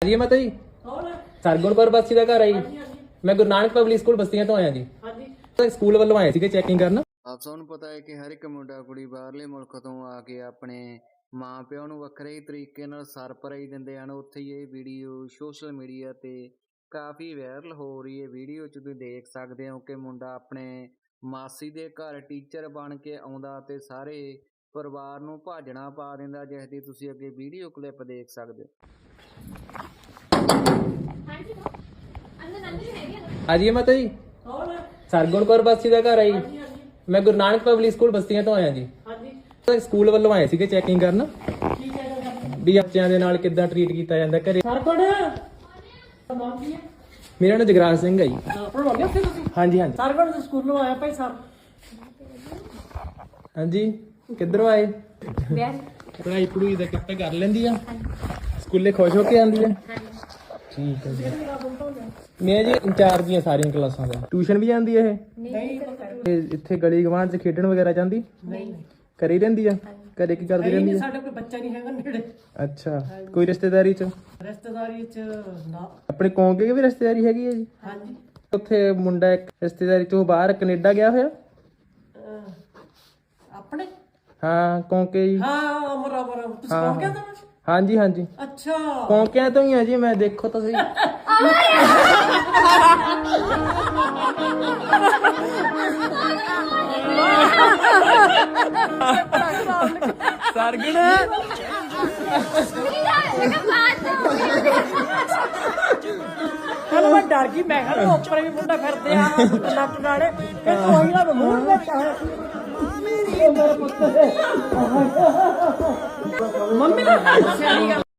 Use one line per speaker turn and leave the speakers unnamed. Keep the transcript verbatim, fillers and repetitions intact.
ਜੀ ਮਾਤਾ ਜੀ ਸਰਗੁਣ ਕੌਰ ਬਸਤੀ ਦਾ ਘਰ ਆ ਜੀ। ਮੈਂ ਗੁਰੂ ਨਾਨਕ ਪਬਲਿਕ ਸਕੂਲ ਬਸਤੀਆਂ ਤੋਂ ਆਇਆ ਜੀ। ਹਾਂਜੀ ਸਕੂਲ ਵੱਲੋਂ ਆਏ ਸੀਗੇ ਚੈਕਿੰਗ ਕਰਨ।
ਆਪ ਸਭ ਨੂੰ ਪਤਾ ਹੈ ਕਿ ਹਰ ਇੱਕ ਮੁੰਡਾ ਕੁੜੀ ਬਾਹਰਲੇ ਮੁਲਕ ਤੋਂ ਆ ਕੇ ਆਪਣੇ ਮਾਂ ਪਿਓ ਨੂੰ ਵੱਖਰੇ ਹੀ ਤਰੀਕੇ ਨਾਲ ਸਰਪ੍ਰਾਈਜ਼ ਦਿੰਦੇ ਹਨ। ਉੱਥੇ ਹੀ ਇਹ ਵੀਡੀਓ ਸੋਸ਼ਲ ਮੀਡੀਆ ਤੇ ਕਾਫੀ ਵਾਇਰਲ ਹੋ ਰਹੀ ਹੈ। ਵੀਡੀਓ 'ਚ ਤੁਸੀਂ ਦੇਖ ਸਕਦੇ ਹੋ ਕਿ ਮੁੰਡਾ ਆਪਣੇ ਮਾਸੀ ਦੇ ਘਰ ਟੀਚਰ ਬਣ ਕੇ ਆਉਂਦਾ ਤੇ ਸਾਰੇ ਪਰਿਵਾਰ ਨੂੰ ਭਾਜਣਾ ਪਾ ਦਿੰਦਾ, ਜਿਸ ਦੀ ਤੁਸੀਂ ਅੱਗੇ ਵੀਡੀਓ ਕਲਿੱਪ ਦੇਖ ਸਕਦੇ ਹੋ।
ਹਾਂਜੀ ਮਾਤਾ ਜੀ ਸਰਗੁਣ ਕੌਰ ਬਸਤੀ ਦਾ ਘਰ ਆ ਜੀ। ਮੈਂ ਗੁਰੂ ਨਾਨਕ ਪਬਲਿਕ ਸਕੂਲ ਬਸਤੀਆਂ ਤੋਂ ਆਇਆ ਜੀ। ਹਾਂਜੀ ਸਕੂਲ ਵੱਲੋਂ ਆਏ ਸੀਗੇ ਚੈਕਿੰਗ ਕਰਨ ਵੀ ਬੱਚਿਆਂ ਦੇ ਨਾਲ ਕਿੱਦਾਂ ਟਰੀਟ ਕੀਤਾ ਜਾਂਦਾ ਘਰੇ। ਮੇਰਾ ਨਾਮ ਜਗਰਾਜ ਸਿੰਘ ਹੈ ਜੀ। ਹਾਂਜੀ ਹਾਂਜੀ
ਸਰਗੁਣ ਦੇ ਸਕੂਲੋਂ ਆਇਆ ਭਾਈ ਸਰ।
ਹਾਂਜੀ ਕਿੱਧਰੋਂ ਆਏ? ਪੜਾਈ ਪੜੂਈ ਦਾ ਕਿੱਥੇ ਕਰ ਲੈਂਦੀ ਆ? ਸਕੂਲੇ ਖੁਸ਼ ਹੋ ਕੇ ਆਉਂਦੀ ਆ? ਠੀਕ ਹੈ ਜੀ। ਮੈਂ ਜੀ ਇੰਚਾਰਜ ਦੀਆਂ ਸਾਰੀਆਂ ਕਲਾਸਾਂ ਦਾ। ਟਿਊਸ਼ਨ ਵੀ ਜਾਂਦੀ ਹੈ ਇਹ? ਇੱਥੇ ਗਲੀ ਗਵਾਂਢ ਚ ਖੇਡਣ ਵਗੈਰਾ ਜਾਂਦੀ? ਨਹੀਂ ਘਰੇ ਹੀ ਰਹਿੰਦੀ ਆ? ਘਰੇ ਕੀ ਕਰਦੀ ਰਹਿੰਦੀ ਆ?
ਸਾਡੇ ਕੋਈ ਬੱਚਾ ਨਹੀਂ ਹੈਗਾ ਨੇੜੇ।
ਅੱਛਾ ਕੋਈ ਰਿਸ਼ਤੇਦਾਰੀ ਚ?
ਰਿਸ਼ਤੇਦਾਰੀ ਚ ਨਾ।
ਆਪਣੇ ਕੌਂਕੇ ਕੀ ਵੀ ਰਿਸ਼ਤੇਦਾਰੀ ਹੈਗੀ ਹੈ ਜੀ?
ਹਾਂਜੀ
ਉੱਥੇ ਮੁੰਡਾ ਇੱਕ ਰਿਸ਼ਤੇਦਾਰੀ ਤੋਂ ਬਾਹਰ ਕੈਨੇਡਾ ਗਿਆ ਹੋਇਆ?
ਆਪਣੇ
ਹਾਂ ਕੌਂਕੇ ਜੀ।
ਹਾਂ ਅਮਰ ਅਮਰ ਤੁਸੀਂ ਕੌਣ ਕਹਿੰਦਾ?
ਹਾਂਜੀ ਹਾਂਜੀ
ਅੱਛਾ
ਕੌਂਕਿਆਂ ਤੋਂ ਹੀ ਆ ਜੀ ਮੈਂ। ਦੇਖੋ ਤੁਸੀਂ ਸਰਗੁਣ
ਚਲ ਮੈਂ ਡਰ ਗਈ। ਮੈਂ ਕਿਹਾ ਉੱਪਰ ਵੀ ਮੁੰਡਾ ਫਿਰਦੇ ਆ ਲੱਟ ਨਾਲੇ ਤੇ ਕੋਈ ਨਾ ਮੂੰਹ ਵਿੱਚ ਮੰਮੀ ਦਾ ਸਿਆਣੀ ਗੱਲ।